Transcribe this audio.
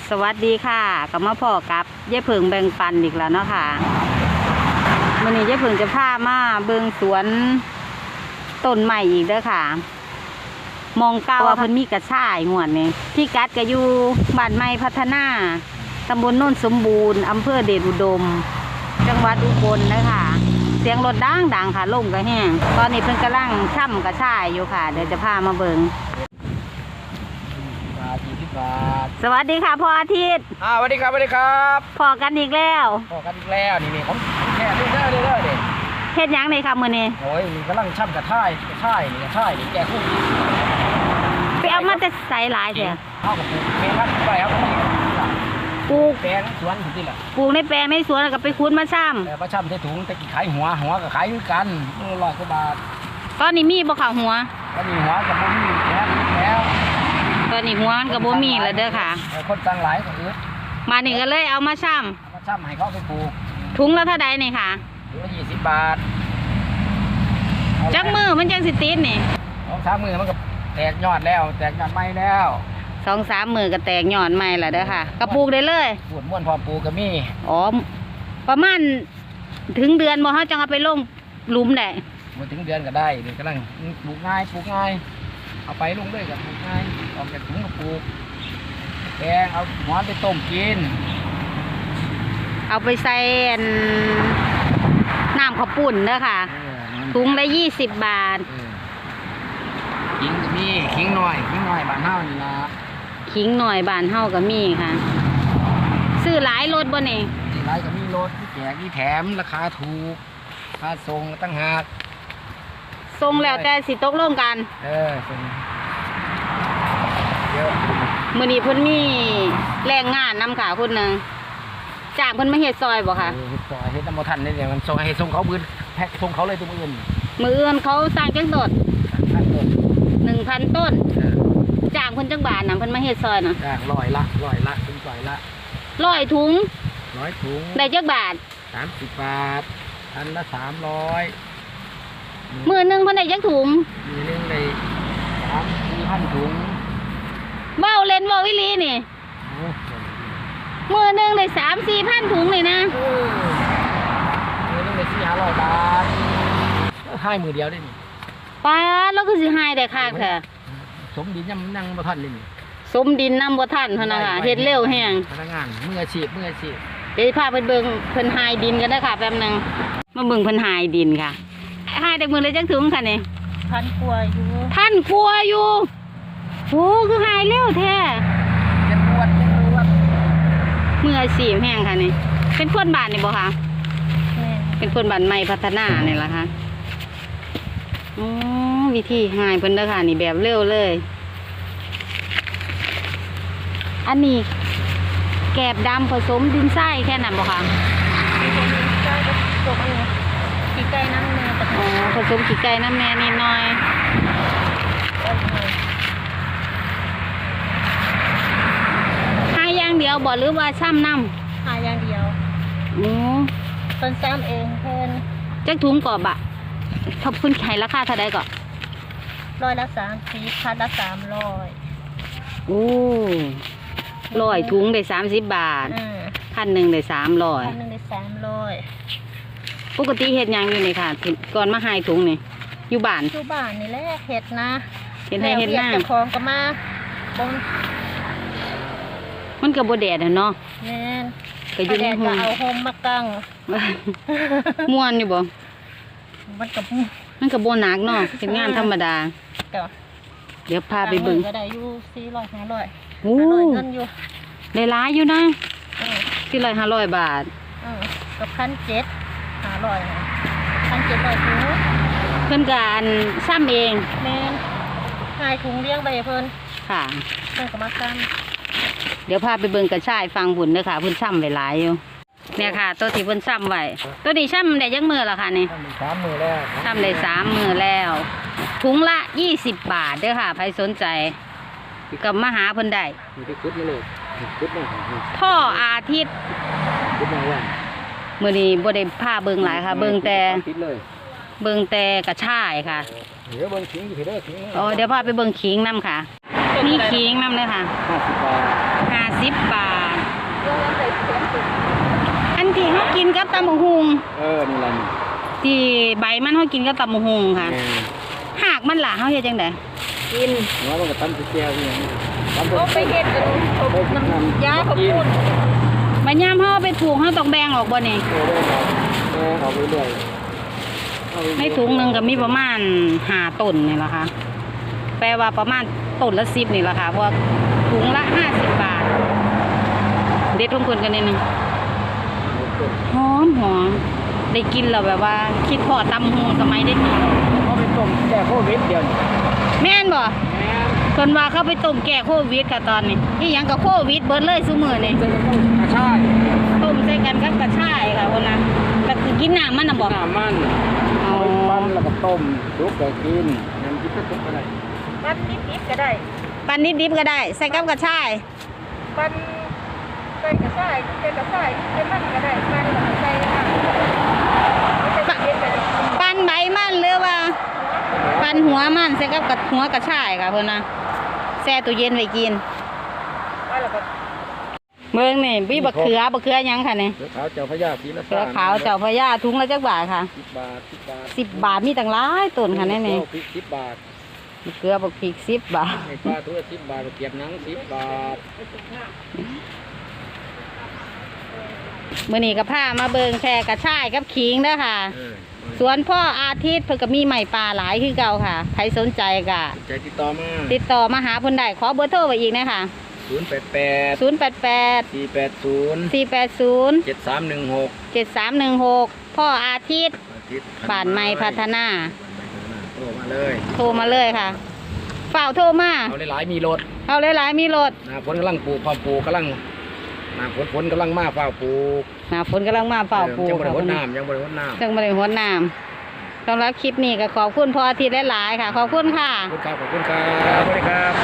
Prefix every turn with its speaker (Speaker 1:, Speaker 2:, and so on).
Speaker 1: สวัสดีค่ะกับมาพ่อกับยายเพิงแบ่งปันอีกแล้วเนาะค่ะวันนี้ยายเพิงจะพามาเบิ่งสวนต้นใหม่อีกเด้อค่ะ มองเก้าว่าเพิ่นมีกระชายงวดนี่ที่กัดก็อยู่บ้านใหม่พัฒนาตำบลโน่นสมบูรณ์อำเภอเดชอุดมจังหวัดอุบลนะคะเสียงรถดังค่ะลมก็แห้งตอนนี้เพิ่นกำลังช่ำกระชายอยู่ค่ะเดี๋ยวจะพามาเบิ่งสวัสดีค่ะพ่ออาทิตย์
Speaker 2: สวัสดีครับสวัสดีครับ
Speaker 1: พอกันอีกแล้ว
Speaker 2: พอกันอีกแล้วนี่ผมแค่เรื่อยเด็ก
Speaker 1: เฮ็ดยังเลยค่ะมื้อนี้
Speaker 2: โอ้ยมีกำลังช่ำกระท่ายนี่แกคู่
Speaker 1: ไปเอามาแต่ใส่หลายเถอะ
Speaker 2: เข้ากับปลูกเมลัดไปครับ
Speaker 1: ปลูก
Speaker 2: แปลงสวนที่แหละ
Speaker 1: ปลูกในแปลงในสวนแล้วก็ไปคุ้นมาช่ำ
Speaker 2: แต่มาช่ำใส่ถุงแต่กี่ขายหัวก็ขายกัน100 กว่าบาท
Speaker 1: ตอนนี้มีบ่ข่าวหัว
Speaker 2: ตอนนี้หัวกับบ่มีแล้ว
Speaker 1: ตอนนี้หัวกับบ่มีแล้วเด้อค่ะ
Speaker 2: คนสั่งหลายก็อึด
Speaker 1: มานี่ก็เลยเอามาช่
Speaker 2: ำให้เขาไปปลูก
Speaker 1: ถุงละเท่าใดนี่ค่ะ
Speaker 2: ถุงละ20 บาท
Speaker 1: จักมือมันจังสิติดนี่
Speaker 2: 2-3 มือมันก็แตกยอดแล้วแตกยอดใหม่แล้ว
Speaker 1: 2-3 มือก็แตกยอดใหม่แล้วเด้อค่ะก็ปลูกได้เลย
Speaker 2: ปลูกม่วนพอปลูกก็มี
Speaker 1: อ๋อประมาณถึงเดือนบ่เฮาจังเอาไปลงหลุมได้
Speaker 2: บ่ถึงเดือนก็ได้เดี๋ยวกำลังปลูกง่ายเอาไปลงด้วยกับปลูกง่ายออกจากถุงก็ปลูกแกงเอาหัวไปต้มกิน
Speaker 1: เอาไปใส่น้ำข้าวปุ้นเด้อค่ะถุงละ20 บาท
Speaker 2: ขิงก็มีขิงหน่อยบ้านเฮานี่ล่ะ
Speaker 1: ขิงหน่อยบ้านเฮาก็มีค่ะซื้อหลายรถบ่นี่
Speaker 2: หลายก็มีรถที่แจกที่แถมราคาถูกค่าส่งตั้งหาก
Speaker 1: ส่งแล้วแต่สิตกลงกัน
Speaker 2: ส่งเยอะ
Speaker 1: มื้อนี้เพิ่นมีแรงงานนำค่ะคนนึงจ้างเพิ่นมาเฮ็ดซอยบ่คะ
Speaker 2: เฮ็ดซอยเฮ็ดน้ำบ่ทันนี่เดี๋ยวมันส่งให้ส่งเขามื้อแพ็คส่งเขาเลยตัวมื้ออื่น
Speaker 1: เขาสร้างจังต้น1,000 ต้นจ้างเพิ่นจังบาทน่ะเพิ่นมาเฮ็ดซอยน่ะ
Speaker 2: จ้าง100 ละถึง100 ละ
Speaker 1: 100 ถุงได้จักบาท
Speaker 2: 30 บาทอันละ300
Speaker 1: มื้อนึงเพิ่นได้จักถุง
Speaker 2: มื้อนึงได้3-4,000 ถุง
Speaker 1: เว้าเล่นเว้าอีหลีนี่มื้อนึงได้3-4,000 ถุงนี่นะ
Speaker 2: มื้อนึงได้400-500 บาทให้มื้อเดียวได้นี่
Speaker 1: ป้าแล้วคือสิหายได้คักแท้
Speaker 2: สมดินยังนั่งบ่ทันเลยนี่
Speaker 1: สมดินนำบ่ทันเท่านั้นค่ะเฮ็ดเร็วแฮง
Speaker 2: พนักงานมืออาชีพ
Speaker 1: เดี๋ยวพาไปเบิ่งเพิ่นหายดินกันเด้อค่ะแป๊บนึงมาเบิ่งเพิ่นหายดินค่ะหายได้มื้อละจักถุงค่ะนี่
Speaker 3: 1,000 กว่า
Speaker 1: อยู่โอ้คือหายเร็วแท้
Speaker 2: จะปวด
Speaker 1: มืออาชีพแฮงค่ะนี่เป็นคนบ้านนี่บ่คะเป็นคนบ้านใหม่พัฒนานี่ล่ะค่ะอ๋อวิธีหายเพิ่นเด้อค่ะนี่แบบเร็วเลยอันนี้แกบดำผสมดินทรายแค่นั้นบ่คะ
Speaker 3: ขี้ไก่น้ำแม่
Speaker 1: อ๋อผสมขี้ไก่น้ำแม่นิดหน่อยหายอย่างเดียวบ่หรือว่าซ้ำน้
Speaker 3: ำหายอย่างเดียวเพิ่นซ้ำเองเพิ่น
Speaker 1: จักถุงกรอบบะขอบคุณไข่ราคาเท่าใดก่อน
Speaker 3: 100 ละ30 พันละ300
Speaker 1: โอ้100 ถุงได้30 บาท1,000ได้300ปกติเฮ็ดหยังอยู่นี่ค่ะก่อนมาหายถุงนี่อยู่บ้าน
Speaker 3: นี่แหละเฮ็ดนะ
Speaker 1: เฮ็ดให้เฮ็ดหน้า
Speaker 3: เจ้าของก็มาบ่
Speaker 1: มันก็บ่แดดเนาะ
Speaker 3: แม่น
Speaker 1: ก็อยู่ในห้อง
Speaker 3: เอาโฮมมากัง
Speaker 1: ม่วนอยู่บ่มันก็บ่หนักเนาะเป็นงานธรรมดาเดี๋ยวพาไปเบิ่ง
Speaker 3: ก็ได้อยู่400-500
Speaker 1: โอ้
Speaker 3: เงินอยู่
Speaker 1: ได้หลายอยู่นะ400-500 บาท
Speaker 3: กับ1,700 นะ1,700 ถุง
Speaker 1: เพิ่นก็อันซ้ำเอง
Speaker 3: แม่นหายถุงเลี้ยงไปเพิ่น
Speaker 1: ค่ะ
Speaker 3: เพิ่นก็มาซ้ำ
Speaker 1: เดี๋ยวพาไปเบิ่งกระชายฟังบุญเด้อค่ะเพิ่นซ้ำไว้หลายอยู่เนี่ยค่ะตัวที่เพิ่นซ้ำไว้ตัวนี้ซ้ำได้จักมื้อแล้วค่ะนี่
Speaker 2: 3 มื้อแล้ว
Speaker 1: ซ้ำได้3 มื้อแล้วถุงละ20 บาทเด้อค่ะใครสนใจก็มาหาเพิ่นได้ท่ออาทิตย์มื้อนี้บ่ได้พาเบิ่งหลายค่ะเบิ่งแต่กระชายค่ะ
Speaker 2: เดี๋ยวเบิ่งขิงอยู่เด้อขิง
Speaker 1: อ๋อเดี๋ยวพาไปเบิ่งขิงนำค่ะมีขิงนำเลยค่ะ50 บาทกินกับตำบักหุ่ง
Speaker 2: นี่ล่ะนี่
Speaker 1: ที่ใบมันเขากินกับตำบักหุ่งค่ะ
Speaker 2: แม่
Speaker 1: หากมันล่ะเขาเฮ็ดจังได๋
Speaker 3: กิน
Speaker 2: หัวมันก็ตำแก้วนี่ตำ
Speaker 3: ก็ไปเฮ็ดกันผมน้ำยาเขาพูด
Speaker 1: บัดยามเฮาเอาไปปลูกเฮาต้องแบ่งออกบ่นี่
Speaker 2: เอาไปเรื่อย
Speaker 1: ในถุงหนึงก็มีประมาณ5ต้นนี่ล่ะค่ะ แปลว่าประมาณต้นละ10นี่ล่ะค่ะเพราะว่าถุงละ50 บาท เด็ดลงคนกันนิดนึงหอมได้กินแล้วแบบว่า คิดพอตำหูสมัยได้กิน
Speaker 2: เขาไปต้มแก้โควิดเดียวนี่
Speaker 1: แม่นบ่
Speaker 2: แม่
Speaker 1: คนว่าเขาไปต้มแก้โควิดค่ะตอนนี้นี่ยังกับโควิดเบิดเลยซุมื้อนี่
Speaker 2: จะต้องกระชาย
Speaker 1: ต้มใส่กันกับกระชายค่ะคนนะก็คือกินน้ำมันน่ะบ่
Speaker 2: น้ำมัน
Speaker 1: เอา
Speaker 2: ปั้นแล้วก็ต้มซุปก็กินน้ำจิ้มก็ซุปอะไร
Speaker 3: ปั้นนิดๆก็ได้
Speaker 1: ปันนิดดิบก็ได้ ใส่กับกระชาย
Speaker 3: ปั้นใส่กระส่ายเป็นกระส่ายเป็นมันก็ได้ปั้นแล้วก็ใส่น้ำไม่ใช่เย็นไปเลย
Speaker 1: ปันใบมันหรือว่า ปันหัวมันใส่กับหัวกระชายค่ะเพิ่นนะแช่ตู้เย็นไว้กิน
Speaker 3: ปั้นแล้วก็
Speaker 1: เบิ่งนี่มีบักเขือหยังค่ะนี่
Speaker 2: เสือขาวเจ้าพญาศรีละ
Speaker 1: เขือขาวเจ้าพระยาถุงละจักบาทค่ะ
Speaker 2: 10 บาท
Speaker 1: 10 บาทมีตั้งหลายต้นค่ะนี่นี่
Speaker 2: พริก10 บาท
Speaker 1: มะเขือบักพริก10 บาท
Speaker 2: ไอ้ปลาตัวละ10 บาทเกียบหนัง10 บาท
Speaker 1: มื้อนี้ก็พามาเบิ่งแค่กระชายกับขิงเด้อค่ะ สวนพ่ออาทิตย์เพิ่นก็มีใหม่ปลาหลายคือเก่าค่ะใครสนใจก็
Speaker 2: ใจติดต่อมา
Speaker 1: ติดต่อมาหาเพิ่นได้ขอเบอร์โทรไว้อีกนะคะ
Speaker 2: 088
Speaker 1: 088
Speaker 2: 480
Speaker 1: 480
Speaker 2: 7316
Speaker 1: 7316พ่ออาทิตย์
Speaker 2: อาทิตย์
Speaker 1: บ้านใหม่พัฒนา
Speaker 2: โทรมาเลย
Speaker 1: โทรมาเลยค่ะเฝ้าโทรมา
Speaker 2: เอาหลายๆมีรถ
Speaker 1: เอาหลายๆมีรถ
Speaker 2: หน้าฝนกำลังปลูกพร้อมปลูกกำลังหน้าฝนกำลังมาเฝ้าปลูก
Speaker 1: หน้าฝนกำลังมาเฝ้าปลูก
Speaker 2: ยังบริ
Speaker 1: ค่ะ
Speaker 2: วดน้ำยังบริวดน้ำ
Speaker 1: จังบริหารน้ำสำหรับคลิปนี้ก็ขอบคุณพ่ออาทิตย์หลายๆค่ะ ขอบคุณค่ะ
Speaker 2: ขอบคุณครับสวัสดีครับ